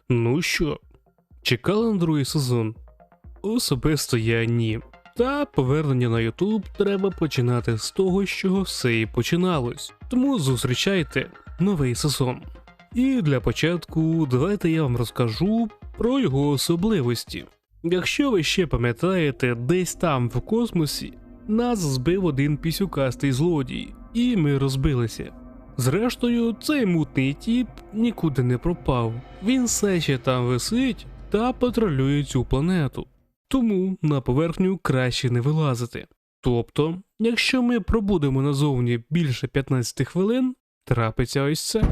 Ну що, чекали на другий сезон? Особисто я ні. Та повернення на YouTube треба починати з того, з чого все і починалось. Тому зустрічайте новий сезон. І для початку давайте я вам розкажу про його особливості. Якщо ви ще пам'ятаєте, десь там в космосі нас збив один пісюкастий злодій, і ми розбилися. Зрештою, цей мутний тіп нікуди не пропав. Він все ще там висить та патрулює цю планету. Тому на поверхню краще не вилазити. Тобто, якщо ми пробудемо назовні більше 15 хвилин, трапиться ось це.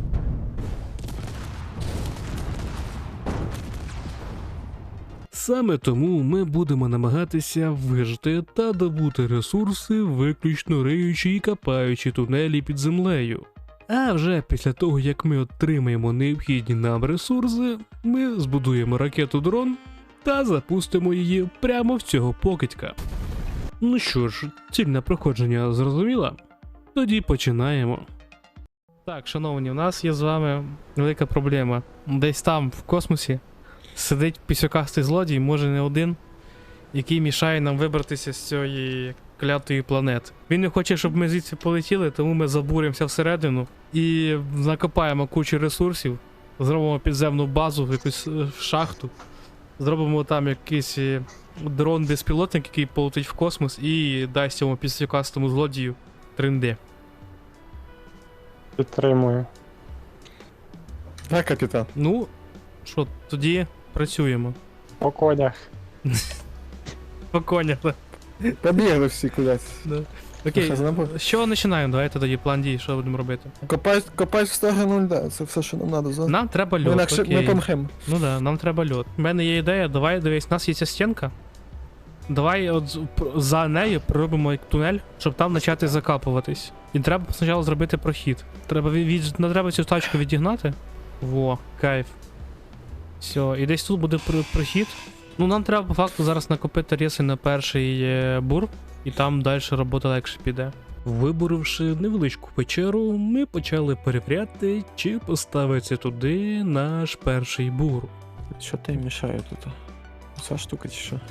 Саме тому ми будемо намагатися вижити та добути ресурси, виключно риючи і копаючи тунелі під землею. А вже після того, як ми отримаємо необхідні нам ресурси, ми збудуємо ракету-дрон та запустимо її прямо в цього покидька. Ну що ж, ціль на проходження зрозуміла? Тоді починаємо. Так, шановні, у нас є з вами велика проблема. Десь там, в космосі, сидить пісюкастий злодій, може не один, який мішає нам вибратися з цієї клятої планети. Він не хоче, щоб ми звідси полетіли, тому ми забуримося всередину і накопаємо кучу ресурсів, зробимо підземну базу, якусь шахту, зробимо там якийсь дрон-безпілотник, який полетить в космос і дасть цьому пісюкастому злодію 3D. Підтримую. Так, капітан. Ну, що, тоді працюємо. По конях. По конях, так. Побігли всі кудись. Да. Окей, Що, забув? з чого починаємо? Давайте тоді план дій, що будемо робити. Копай в сторону льда, це все, що нам треба зараз. Нам треба Ми льод, інакше окей. ми помремо. Ну да, нам треба льод. У мене є ідея, давай, дивись, у нас є ця стінка. Давай от за нею проробимо як тунель, щоб там почати закапуватись. І треба спочатку зробити прохід. Треба треба цю тачку відігнати. Во, кайф. Все, і десь тут буде прохід. Ну нам треба по факту зараз накопити ріси на перший бур, і там далі робота легше піде. Виборивши невеличку печеру, ми почали перевіряти, чи поставиться туди наш перший бур. Що ти мішає тут? Ця штука чи що?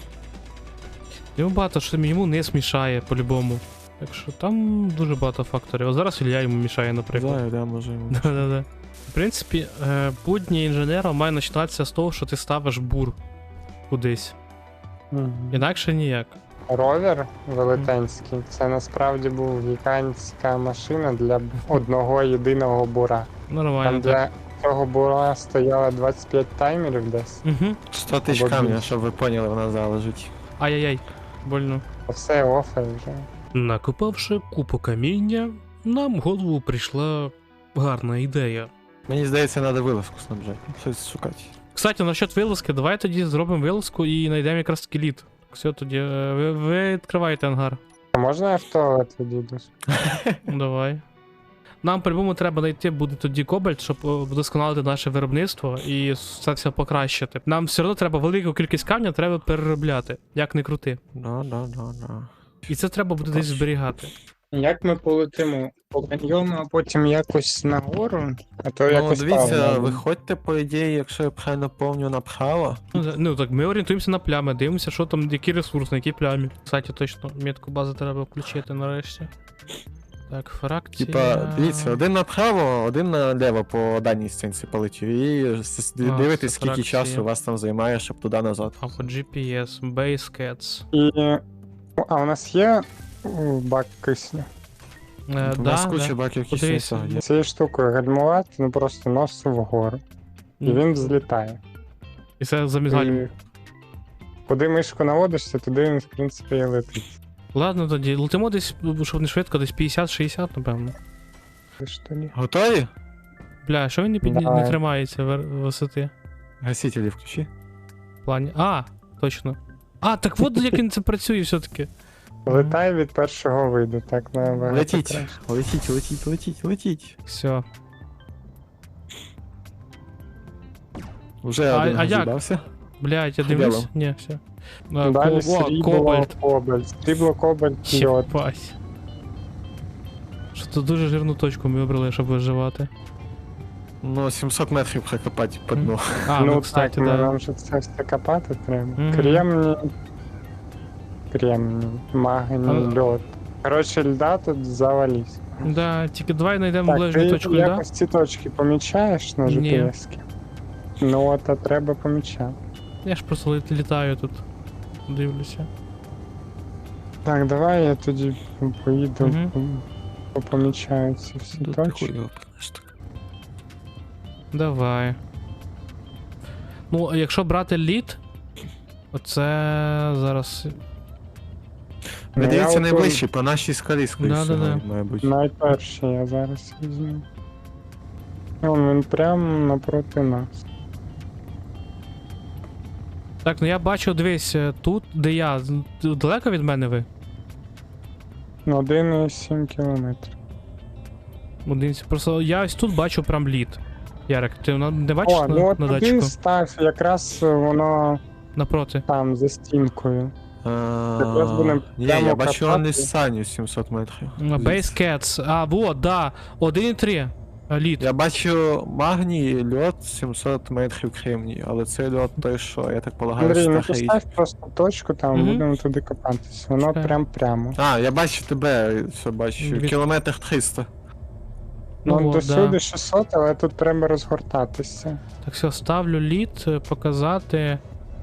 Йому багато що йому не смішає по-любому. Так що там дуже багато факторів. А зараз Ілля йому мішає, наприклад. Знаю, да, може йому. Да-да-да. В принципі, будні інженера має починатися з того, що ти ставиш бур кудись. Інакше ніяк. Ровер велетенський, це насправді був гігантська машина для одного єдиного бура. Нормально. Там для цього бура стояло 25 таймерів десь. Угу. 100 тисяч Або камня, більше. щоб ви поняли, вона залежить. Ай-яй-яй. Больно. А все офер вже. Накопавши купу каміння, нам в голову прийшла гарна ідея. Мені здається, треба вилазку снабжати. Щось шукати. Кстати, насчет вилазки, давай тоді зробимо вилазку і знайдемо якраз таки лід. Все, тоді ви відкриваєте ангар. А можна я в туалет відійду? Давай. Нам по-любому треба знайти буде тоді кобальт, щоб вдосконалити наше виробництво і це все покращити. Нам все одно треба велику кількість камня треба переробляти, як не крути. Да. І це треба буде десь зберігати. Як ми полетимо? По каньйону, а потім якось нагору? А то Ну, якось дивіться, правильно. виходьте, по ідеї, якщо я правильно пам'ятаю, направо. Ну так, ми орієнтуємося на плями, дивимося, що там, який ресурс, на якій плямі. Кстати, точно, метку бази треба включити нарешті. Так, фракція... Типа, дивіться, один направо, один наліво по даній стінці полетів. І дивитесь, це скільки фракція. часу у вас там займає, щоб туди-назад. А по GPS, Base Cats. І... А у нас є бак кисню? У нас куча баків кисню Подивись. всього є. Цією штукою гальмувати, ну просто нос вгору. І він взлітає. І це замізгаль. І куди мишку наводишся, туди він, в принципі, і летить. Ладно тоді, летимо десь, щоб не швидко, десь 50-60, напевно. Ти ж тоді. Готові? Бля, що він не Давай. тримається висоти? Гасителі включи. В плані. А, точно. А, так от як він це працює все-таки. Летай від першого виду, так набагато Летіть, краще. летіть. Все. Уже А- один а як? розібрався. Блядь, я Хибело. дивлюсь. Ні, все. Далі срібло, кобальт. Срібло, кобальт, йод. Єбать. Що тут дуже жирну точку ми вибрали, щоб виживати. Ну, 700 метрів прокопати по дну. А, ну ну, кстати, так, да. нам же це все копати треба. Мгм. Кремній, магній, льод. Коротше, льда тут завались. Да, тільки давай знайдемо Так, ближню ти точку льда. якось ці точки помічаєш на Ні. GPS-ки? Ну, от, а треба помічати. Я ж просто літаю тут. Дивлюся. Так, давай я тоді поїду, Мгм. помічаю ці всі Тут ти точки. хуй його пнеш так. Давай. Ну, а якщо брати лід, оце зараз. Ну, Ви я дивіться от найближчі, по нашій скалі, скоріше, Да-да-да. має бути. Найперший я зараз візьму. Він прямо напроти нас. Так, ну я бачу, дивись, тут, де я. Далеко від мене ви? 1,7 кілометрів. Просто я ось тут бачу прям лід. Ярик, ти не бачиш О, ну от на туди датчику? став, якраз воно Напроти. там за стінкою. А, будемо Ні, прямо я бачу копати. он Саню 700 метрів. Base Cats. А, вот, да. 1,3. Лід. Я бачу магній, льод 700 метрів кремній, але цей льод той, що, я так полагаю, Андрій, ну старий. постав просто точку, там Мгм. будемо туди копатись. Воно Чекай. прямо. А, я бачу тебе, все бачу. Від- Кілометр 300. Ну, от, досюди да. 600, але тут треба розгортатися. Так, все, ставлю лід, показати.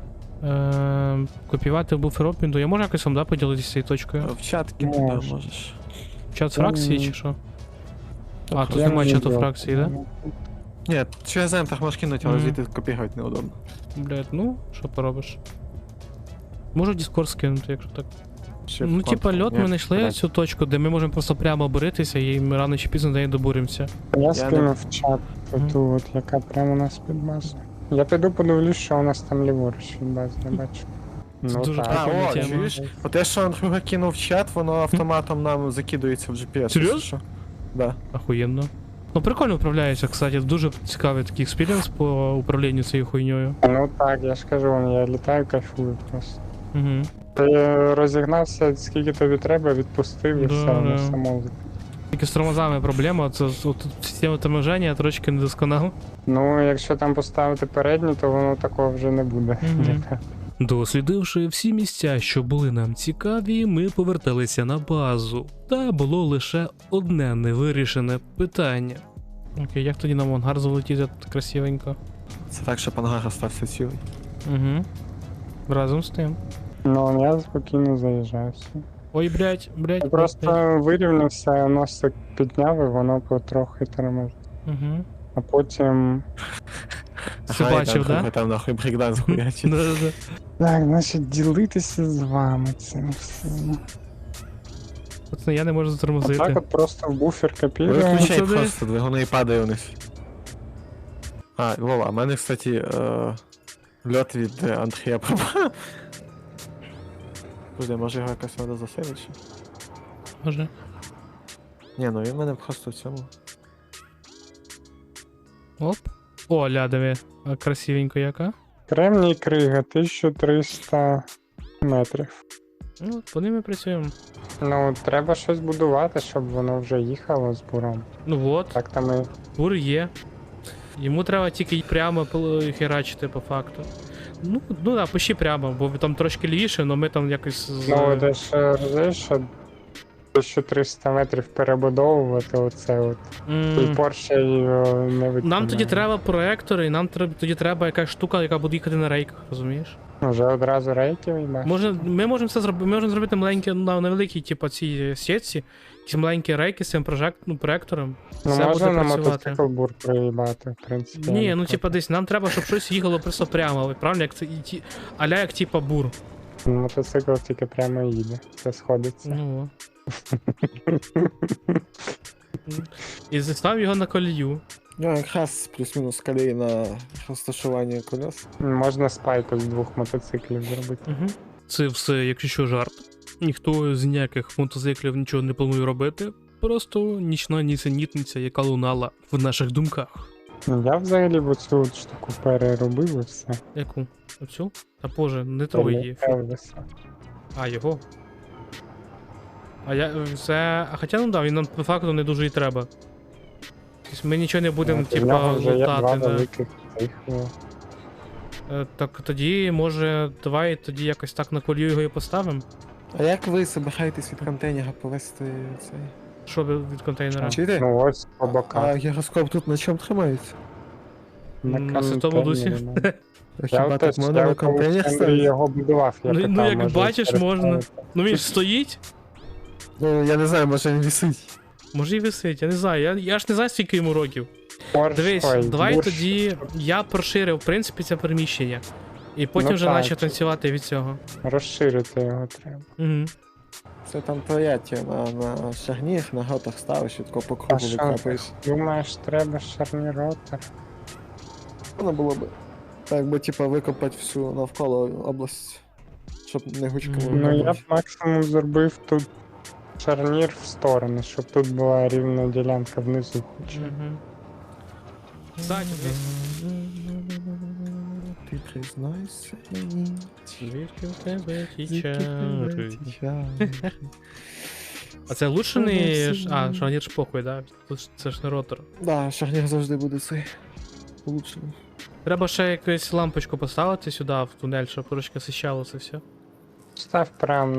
Копіювати буфер обміну. Я можу якось вам, да, поділитися цією точкою? В чат туди Можеш. можеш. Чат фракції чи що? А, тут Я немає не чату знаю. фракції, да? Ні, через так можеш кинути, але Мгм. звідти копірувати неудобно. Блядь, ну, що поробиш? Можу Discord скинути, якщо так. Ще Ну, в типа, контур, льот ні? ми знайшли Блядь. цю точку, де ми можемо просто прямо боритися, і ми рано чи пізно до неї добуремося. Я не- скинув в чат Мгм. ту, от, яка прямо у нас під базою. Я піду подивлюсь, що у нас там ліворуч від бази, не бачу. Ну дуже так. А, прикольна о, тема. чуєш? Те, що Андрюха кинув в чат, воно автоматом нам закидується в GPS. Серйозно? якщо що. Да. Охуєнно. Ну, прикольно управляється, кстати, дуже цікавий такий експірієнс по управлінню цією хуйньою. Ну так, я ж кажу, я літаю, кайфую просто. Угу. Ти розігнався, скільки тобі треба, відпустив і Да, все, воно да. само. Тільки з тормозами проблема, це от, система торможення трошки недосконала. Ну, якщо там поставити передню, то воно такого вже не буде. Мгм. Дослідивши всі місця, що були нам цікаві, ми поверталися на базу. Та було лише одне невирішене питання. Окей, як тоді нам в ангар залетіти тут красивенько? Це так, щоб ангар остався цілий. Угу. Разом з тим. Ну, я спокійно заїжджаю все. Ой, блядь. Я просто вирівнявся, носик підняв і воно потрохи тормозить. Угу. А потім. Ти бачив, да? Там нахуй брейкданс хуячить. Да-да-да. Так, значить, ділитися з вами цим всім. Пацани, я не можу Так затормозити. от просто в буфер копіруємо. Виключай Сюди. просто, двигуни і падає вниз. А, Вова, а в мене, кстати, льот від Андрія пропав. Подожди, може його якось треба засейвити ще? Може. Ні, ну він в мене просто в цьому. Оп. О, лядові. А красивенько яка. Кремній крига, 1300 метрів. Ну, по ними працюємо. Ну, треба щось будувати, щоб воно вже їхало з буром. Ну от, Так там і. бур є. Йому треба тільки прямо херачити по факту. Ну да, пиши прямо, бо там трошки лівіше, але ми там якось з... Ну, десь розумієш, що 1300 метрів перебудовувати оце от. І М, Порше його не виконає. Нам тоді треба проектори, і нам тоді треба якась штука, яка буде їхати на рейках, розумієш? Вже одразу рейки виймаєш? Ми можемо це зробити, ми можемо зробити маленькі, невеликі, типу, ці сітці, якісь маленькі рейки з цим проектором. Ну, Все можна буде на працювати. мотоцикл бур проїбати, в принципі. Ні, я ну не типа десь нам треба, щоб щось їхало просто прямо, правильно, як це аля як типа бур. проти. Мотоцикл тільки прямо їде, це сходиться. Ну. І застав його на колію. Ну, якраз плюс-мінус колії на розташування колес. Можна спайку з двох мотоциклів зробити. Угу. Це все, якщо що, жарт. Ніхто з ніяких мотоциклів нічого не планує робити. Просто нічна нісенітниця, яка лунала в наших думках. Ну, я взагалі в оцю от штуку переробив і все. Яку? Оцю? Та боже, не трогай її. Елвіса. А, його. А я. Це. А хоча ну да, він нам по факту не дуже і треба. Тобто ми нічого не будемо, В нього типа, вже є два лутати, да. великих цих. Так тоді, може, давай тоді якось так на колію його і поставимо? А як ви збираєтесь від контейнера повести цей? Що від контейнера? Чуєте? Ну ось по А боках. гіроскоп тут на чому тримається? На Святому Дусі. контейнері, А Я хіба так можна на в контейнер Андрій ставити? його будував, я Ну, питав, як може, бачиш, можна. переставити. Ну він ж стоїть? Ну, я не знаю, може він висить. Може і висить, я не знаю. Я ж не знаю, скільки йому років. Порш, Дивись, ой, давай бурш. тоді я проширив, в принципі, це приміщення. І потім Ну вже так. наче танцювати від цього. Розширити його треба. Угу. Це там твоя тема на шагніх, на готах ставиш і тако по А кругу що, викапаєш. думаєш, треба шарніротор? Воно було б. Так би, типа, викопати всю навколо область. Щоб не гучково. Ну я б викопати. максимум зробив тут шарнір в сторони, щоб тут була рівна ділянка внизу хоча. б. Угу. Кстати, Ти признайся мені. звідки в тебе ті звідки в тебе чари? ті чари? А це лучше не... А, шарнір ж похуй, да? Тут це ж не ротор. Да, шагнір завжди буде цей. Улучшений. Треба ще якусь лампочку поставити сюди, в тунель, щоб трошки освіщало це все. Став прям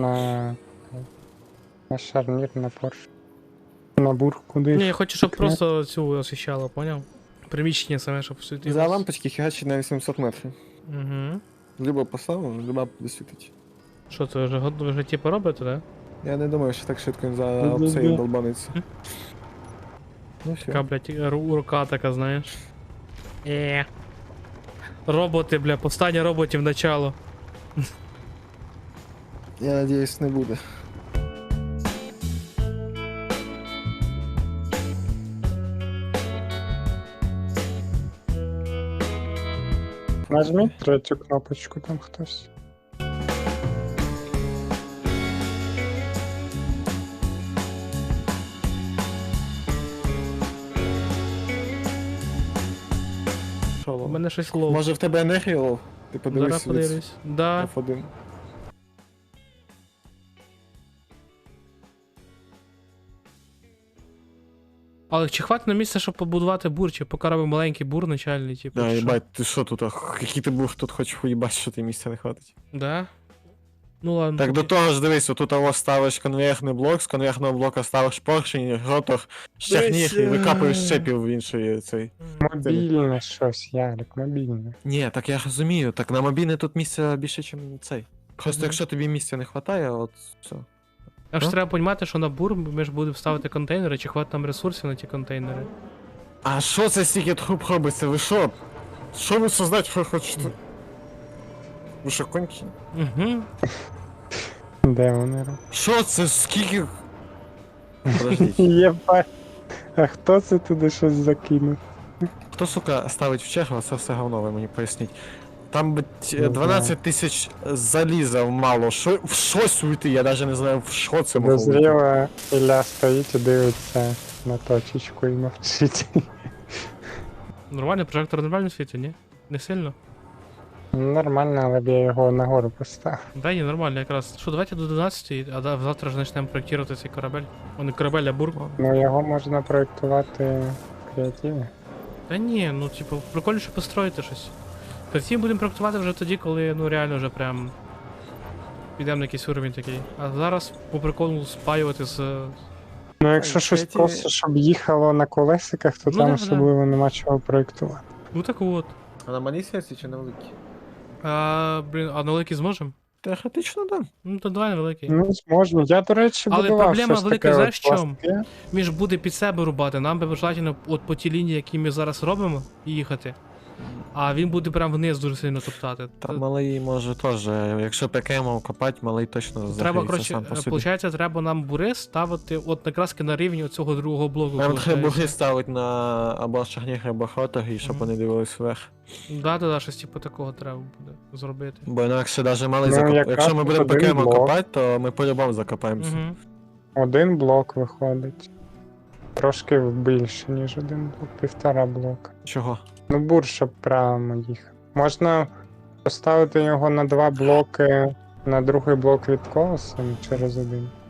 на шарнір, на порш. На бур куди. Ні, я хочу, щоб просто цю освіщало, поняв? Приміщення саме, щоб світилось. За лампочки херачить на 800 метрів. Угу. Любо поставив, люба буде світить. Що, це ви вже типу робите, да? Я не думаю, що так швидко він за Ні-ні-ні. обсею долбаниться. Ну Така, все. блядь, рука така, знаєш. Роботи, бля, повстання роботів начало. Я надіюсь, не буде. Нажміть третю кнопочку там хтось. Що, У Лов? мене щось лов. Може в тебе енергія, Лов? Ти Зараз подивись від подивлюсь. Да. F1. Але чи хватить на місце, щоб побудувати бур, чи поки робимо маленький бур начальний, типу. Да, чи що? їбать, ти що тут? Який ти був тут хочеш уїбать, що ти місця не хватить. Да? Ну ладно. Так до тоді. того ж дивись, отут ось ставиш конвейерний блок, з конвейерного блока ставиш поршень, ротор, щагніх і викапуєш щепів в іншої цей. Мобільне щось, Ярик, мобільне. Ні, так я розумію, так на мобільне тут місця більше, ніж цей. Просто Мгм. якщо тобі місця не вистачає, от все. А ж Ну? треба розуміти, що на бур ми ж будемо ставити контейнери, чи хватить нам ресурсів на ті контейнери. А що це стільки труб робиться? Ви що? Що ви создати хочете? Ви що, кончені? Угу. Де вони роблять? Що це? Скільки? Подождіть. Єбать. А хто це туди щось закинув? Хто, сука, ставить в чергу, це все говно, ви мені поясніть. Там би Не 12 тисяч заліза мало. Що, в щось уйти, я навіть не знаю, в що це могло уйти. Дозріла Ілля стоїть і дивиться на точечку і мовчить. Нормально, прожектор нормально світить, ні? Не сильно? Нормально, але б я його нагору поставив. Да, ні, нормально якраз. Що, давайте до 12, а завтра ж почнемо проєктувати цей корабель. О, не корабель, а бур. Ну його можна проєктувати креативно. Та ні, ну типу, прикольніше построїти щось. Потім будемо проєктувати вже тоді, коли ну реально вже прям підемо на якийсь уровень такий. А зараз по приколу спаювати з. Ну якщо щось креативі- просто, щоб їхало на колесиках, то Ну, там да, особливо нема чого проєктувати. Ну так от. А на малій серці чи на великій? Блін, а на великий зможемо? Теоретично, да. Ну то давай на великий. Ну, зможна. Я, до речі, Але будував проблема щось велика, таке знаєш, от в чому? пластике. Він ж буде під себе рубати, нам би желательно от по тій лінії, які ми зараз робимо, їхати. А він буде прям вниз дуже сильно топтати. Та малий може теж, якщо ПКМ копати, малий точно Треба, загріється коротше, сам по собі. виходить, треба нам бури ставити от якраз на рівні цього другого блоку. Нам треба получається. буги ставити на або шагніх, або хотах, і щоб Мгм. вони дивились вверх. Да, щось типу такого треба буде зробити. Бо інакше навіть малий Ну, закоп... якраз Якщо ми тут будемо один ПКМ блок. копати, то ми по-любому закопаємося. Угу. Один блок виходить. Трошки більше, ніж один блок, 1,5 блока. Чого? Ну, бур, щоб прямо їхав. Можна поставити його на 2 блоки, на другий блок від колеса через один.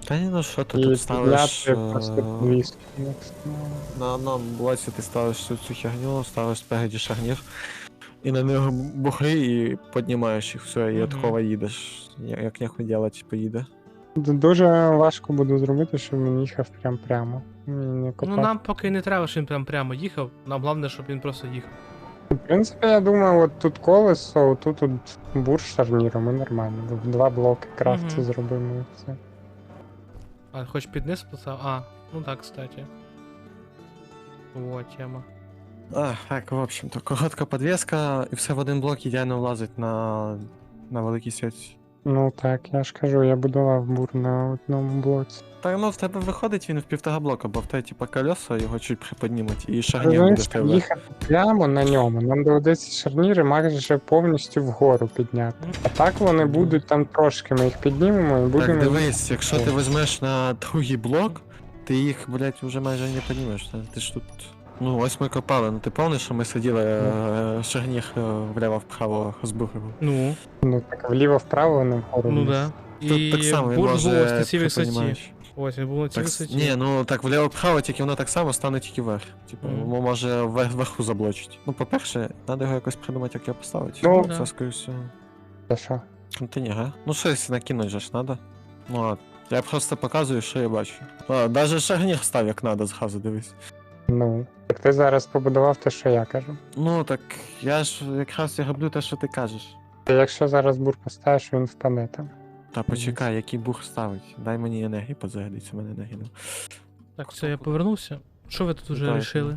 Та ні, ну що ти І тут ставиш... підняти просто підвіску. На одному блоці ти ставиш цю херню, ставиш спереді шарнір, і на нього бухи, і піднімаєш їх, все, і Мгм. откова їдеш. Як нехуй делать, поїде. Дуже важко буде зробити, щоб він їхав прямо. Він не Ну копав. нам поки не треба, щоб він прям прямо їхав. Нам головне, щоб він просто їхав. В принципі, я думаю, от тут колесо, тут бур з шарніром, і нормально. Два блоки крафту Мгм. зробимо і все. А, хоч під низ поставив? А, ну так, кстати. Вот тема. Так, в общем-то, коротка підвіска, і все в один блок ідеально влазить на великій сеті. Ну так, я ж кажу, я будував бур на одному блоці. Так, ну в тебе виходить він в 1,5 блока, бо в тебе типа колеса його чуть приподнімуть, і шарнір буде Розумієш, в щоб тебе. їхати прямо на ньому, нам доведеться шарніри майже повністю вгору підняти. А так вони будуть там трошки, ми їх піднімемо і будемо. Так, дивись, якщо ти візьмеш на другий блок, ти їх, блядь, вже майже не піднімеш. Ти ж тут. Ну, ось ми копали, ну ти пам'ятаєш, що ми сиділи шарнір вліво-вправо збухали. Ну, Ну так вліво-вправо, вони вгору. ну вниз. да. Тут І так само він бур був ось на може цій висоті. приподнімаєш. Ось, він був на цій Так, висоті. ні, ну так вліво-вправо, тільки воно так само стане тільки вверх. Типу, Мгм. може вверху заблочить. Ну, по-перше, треба його якось придумати, як його поставити. Ну, це, да. скоріше всього. Та що? Контейнер, а? Ну щось накинуть же ж надо. Ну ладно. Я просто показую, що я бачу. Даже шарнір став як надо, зразу дивись. Ну. Так ти зараз побудував те, що я кажу. Ну так я ж якраз і роблю те, що ти кажеш. Та якщо зараз бур поставиш, він впаде там. Та почекай, який бух ставить. Дай мені енергії позарядиться, мене енергії нема. Так, все, я повернувся. Що ви тут уже Вітаю рішили?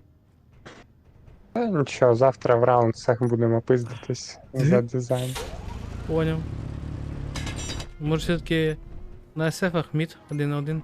Та нічого, завтра в раундсах будемо пиздитись за дизайн. Поняв. Може все-таки на SF-ах мід 1-1?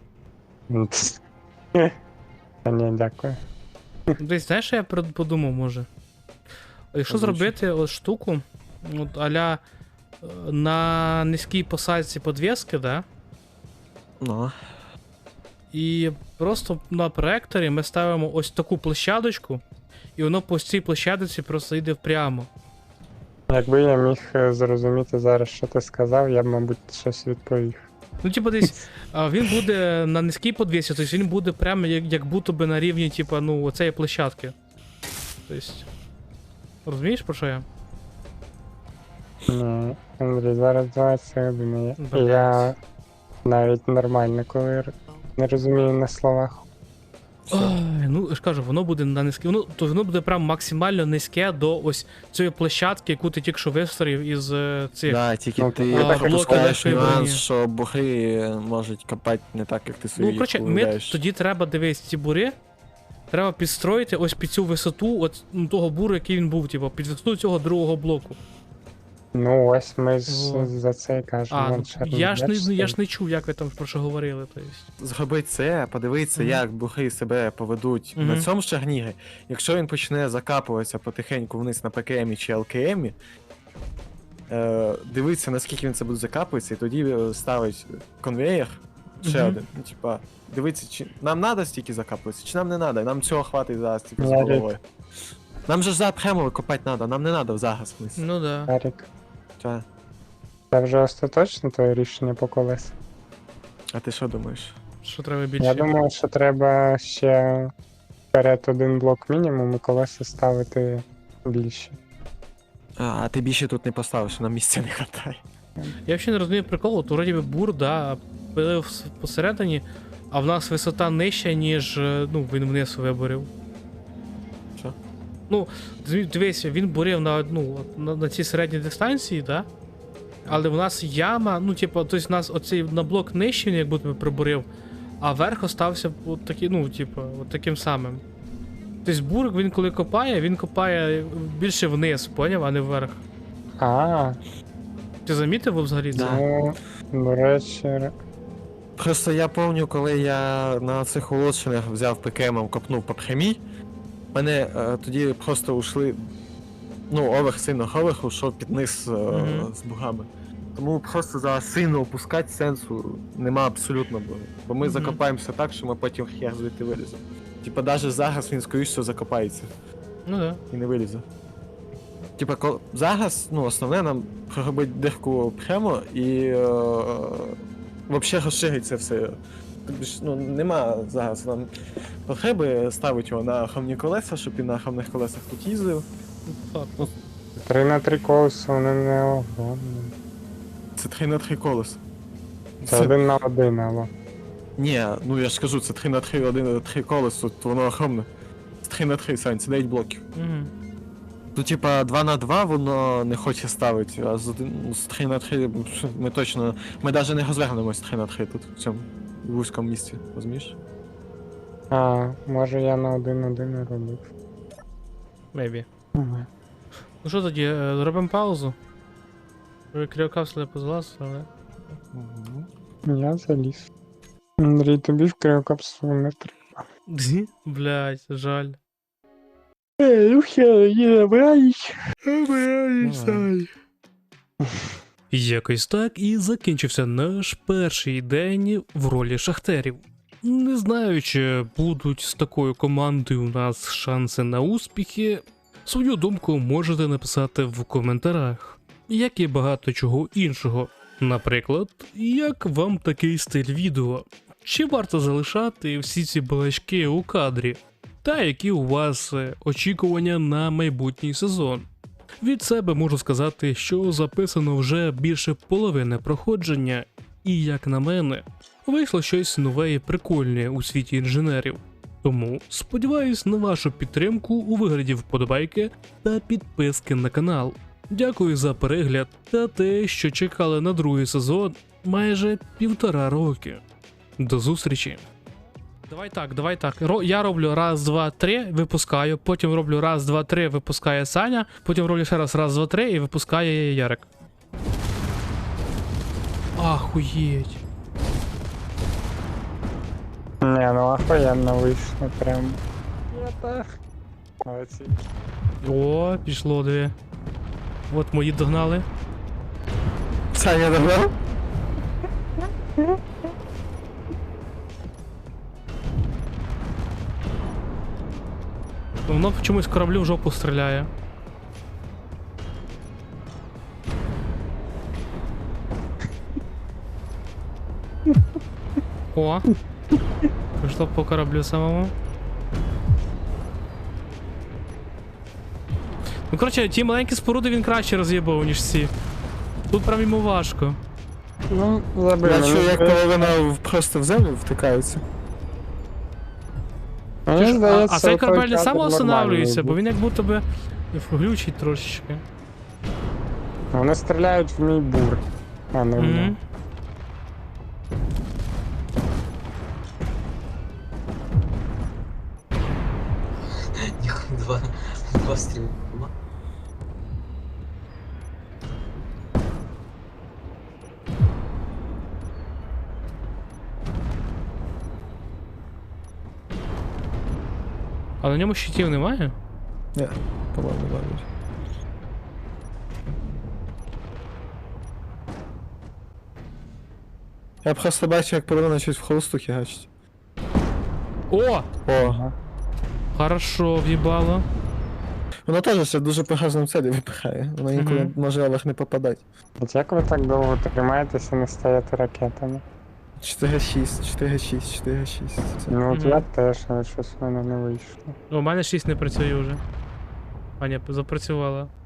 Та ні, дякую. Десь знаєш, що я подумав, може? Якщо Озвучуй. зробити от штуку, от аля на низькій посадці подвіски, да? Ну. І просто на проекторі ми ставимо ось таку площадочку, і воно по цій площадці просто йде прямо. Якби я міг зрозуміти зараз, що ти сказав, я б, мабуть, щось відповів. Ну, типу, десь він буде на низькій подвісі, тобто він буде прямо як будто би на рівні, типу, ну, оцеї площадки. Тобто. Розумієш, про що я? Ні, Андрій, зараз 20 годин. І Блядь. я навіть нормально, коли не розумію на словах. Ой, ну, я ж кажу, воно буде на низьке. То воно буде прям максимально низьке до ось цієї площадки, яку ти тільки що вистроїв із цих. Да, тільки Ну, ти блоки пропускаєш легкої нюанс, броні. що бухи можуть копати не так, як ти собі Ну, коротше, ми уявляєш. тоді треба дивись ці бури. Треба підстроїти ось під цю висоту от, ну, того буру, який він був, типу, під висоту цього другого блоку. Ну, ось ми ж Во. за це і кажемо. А, Вон ну, шарнір, я ж бачите? не чув, як ви там про що говорили. То есть. Зроби це, подивитися, Мгм. як бухи себе поведуть Мгм. на цьому шарнірі. Якщо він почне закапуватися потихеньку вниз на ПКМі чи ЛКМі, дивитися, наскільки він це буде закапуватися, і тоді ставить конвеєр ще Мгм. один. Ну, типа, дивитися, чи нам треба стільки закапуватися, чи нам не треба. Нам цього хватить зараз, типу, з Я головою. Нам же ж за прямо копати треба, нам не треба зараз вниз. Ну да. Арік, Та. це вже остаточно твоє рішення по колесу? А ти що думаєш? Що треба більше? Я думаю, що треба ще вперед один блок мінімум і колеса ставити більше. А ти більше тут не поставиш, нам місця не вистачає. Я взагалі не розумію приколу, то вроді би бур, да, пилив посередині, а в нас висота нижча, ніж ну, він вниз виборів. Що? Ну, дивись, він бурив на цій середній дистанції, да? Але в нас яма, ну, типу, тобто, у нас оцей на блок нижче, він як будто би прибурив, а верх остався от такий, ну, типу, от таким самим. Тобто бурик, він коли копає, він копає більше вниз, поняв, а не вверх. А, Ти замітив взагалі це? Да. ну, до речі, Просто я пам'ятаю, коли я на цих улучшеннях взяв ПКМом, копнув по прямій, мене тоді просто ушли. Ну, оверх сильно оверх ушов під низ Мгм. з бугами. Тому просто зараз сильно опускати сенсу нема абсолютно, бо ми Мгм. закопаємося так, що ми потім хер звідти виліземо. Типа навіть зараз він скоріше всього закопається Ну да. і не вилізе. Типа, зараз, ну, основне нам проробити дирку прямо і взагалі розширить це все. Тобі ж, ну, нема зараз нам потреби ставити його на охромні колеса, щоб він на охромних колесах тут їздив. Так. 3 на 3 колеса, вони не огромні. Це 3 на 3 колеса. Це 1 на 1, алло. Ні, ну я ж кажу, це 3 на 3, 1 на 3 колес, тут воно охромне. Це 3 на 3, Сань, це 9 блоків. Угу. Тут, типа, 2 на 2 воно не хоче ставити, а з 3 на 3 ми точно. Ми навіть не розвернемось 3 на 3 тут, в цьому вузькому місці, розумієш? А, може я на 1-1 робив. Maybe. Ага. Ну що тоді, зробимо паузу? Ви кріокапсули позалазили, але... Я заліз. Андрій, тобі в криокапсулу не треба. Блять, жаль. Ну все, не забираюсь. Якось так і закінчився наш перший день в ролі шахтерів. Не знаю, чи будуть з такою командою у нас шанси на успіхи. Свою думку можете написати в коментарях, як і багато чого іншого. Наприклад, як вам такий стиль відео? Чи варто залишати всі ці балачки у кадрі? Та які у вас очікування на майбутній сезон? Від себе можу сказати, що записано вже більше половини проходження, і, як на мене, вийшло щось нове і прикольне у світі інженерів. Тому сподіваюсь на вашу підтримку у вигляді вподобайки та підписки на канал. Дякую за перегляд та те, що чекали на другий сезон майже 1,5 роки. До зустрічі! Давай так. Я роблю раз, два, три, випускаю, потім роблю раз, два, три, випускає Саня, потім роблю ще раз, два, три і випускає Ярик. Ахуєть. Не, ну охуєнно вийшло прям. Я так. Молодці. О, пішло дві. От мої догнали. Саня догнав? Воно чомусь кораблю в жопу стріляє. О! Пішло по кораблю самому. Ну, коротше, ті маленькі споруди він краще роз'єбав, ніж ці. Тут прям йому важко. Ну, забив. Я чую, як половина просто в землю втикається. Мені здається, А цей той корабель не кадр самоостанавлюється, бо нормальний він як будто би глючить трошечки. був. Вони стріляють в мій бур, а не в Мгм. нього. Два стріма. А на ньому щитів немає? Ні, по-моєму, навіть. Я просто бачу, як половина щось в холосту хігачить. О! О, Ага. Хорошо, в'їбало. воно теж ще дуже по гарному цілі випихає. Воно інколи Мгм. може Олег не попадати. От як ви так довго тримаєтеся і не стаєте ракетами? 4-6, 4-6, 4-6. Це... Ну от Мгм. я теж, але щось в мене не вийшло. У мене 6 не працює вже. А ні, запрацювала.